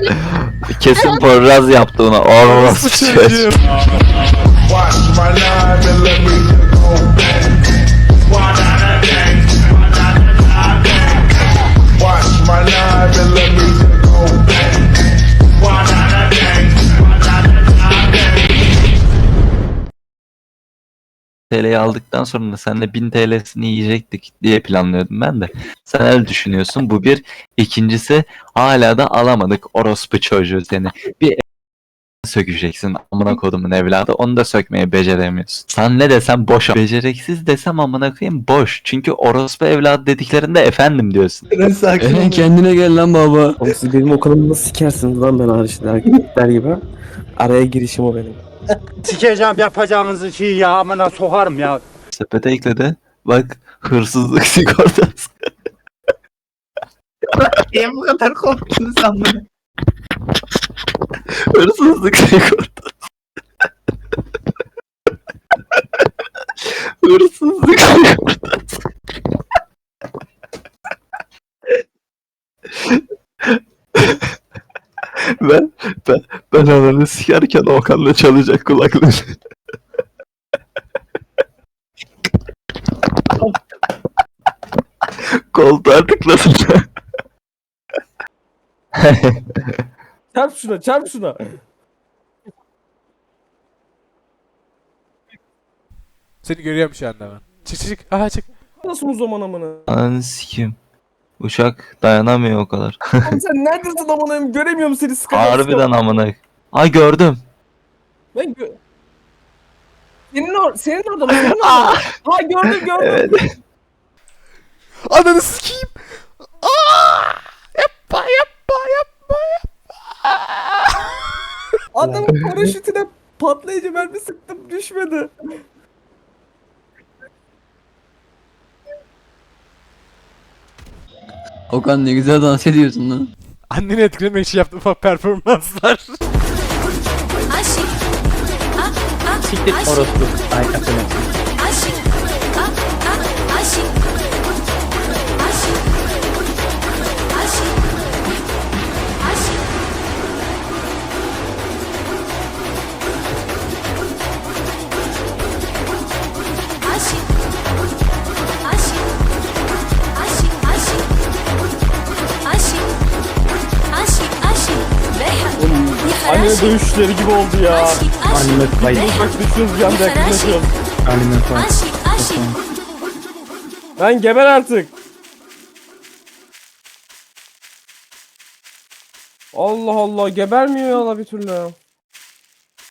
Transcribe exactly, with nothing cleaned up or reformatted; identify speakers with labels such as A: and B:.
A: Kesin Poyraz yaptı ona. Orası çocuğum. T L'yi aldıktan sonra da seninle bin T L'sini yiyecektik diye planlıyordum ben de. Sen öyle düşünüyorsun. Bu bir. İkincisi hala da alamadık orospu çocuğu seni. Bir sökeceksin amına kodumun evladı. Onu da sökmeyi beceremiyorsun. Sen ne desem boş. Beceriksiz desem amına koyayım boş. Çünkü orospu evladı dediklerinde efendim diyorsun.
B: Eren kendine gel lan baba.
C: Oğlum siz benim okulumu nasıl sikersiniz lan ben hariçte erkekler gibi. Araya girişim o benim.
D: Sikeceğim yapacağınızı şey ya amına sokarım ya.
A: Sepete ekledi. Bak hırsızlık sigortası.
E: Niye bu kadar korktunuz sen bunu?
A: Hırsızlık sigortası. Hırsızlık sigortası. ben, ben, ben ananı sikerken Okan'la çalacak kulaklığı. Koltuğa tıklasın.
F: Çarp şuna, çarp şuna.
G: Seni görüyorum şu anda ben. Çık çık çık. Aha çık.
F: Nasıl o zaman amına?
A: Ananı sikeyim. Uçak dayanamıyor o kadar.
F: Oğlum sen neredesin amına? Göremiyorum seni sıkıntı.
A: Harbiden amına. Ay gördüm.
F: Ben gö... Senin, or senin orada mı? Senin orada mı? Ha gördüm gördüm.
A: Evet.
G: Ananı sikeyim. Aa! Yapma yapma yapma yapma.
F: Adamın paraşütüne patlayıcı mermi sıktım düşmedi.
B: Okan ne güzel dans ediyorsun lan.
G: Anneni etkilemek için yaptığım performanslar.
H: Aşık. Ah, ah,
E: Siktir
H: aşık.
E: orospu. Ay affedersin.
H: Aşık. Ah, ah, aşık. Aşık. Aşık. Aşık. Aşık. Aşık. Aşık, aşık. Aşık. Aşık, aşık. Beyhan.
F: Anne dövüşleri gibi oldu ya.
H: Aşık, aşık.
E: Anime fight.
F: Bak düşüyoruz yanda yakınlaşıyoruz.
E: Anime fight.
H: Aşık, aşık.
F: Ben geber artık. Allah Allah gebermiyor ya la bir türlü.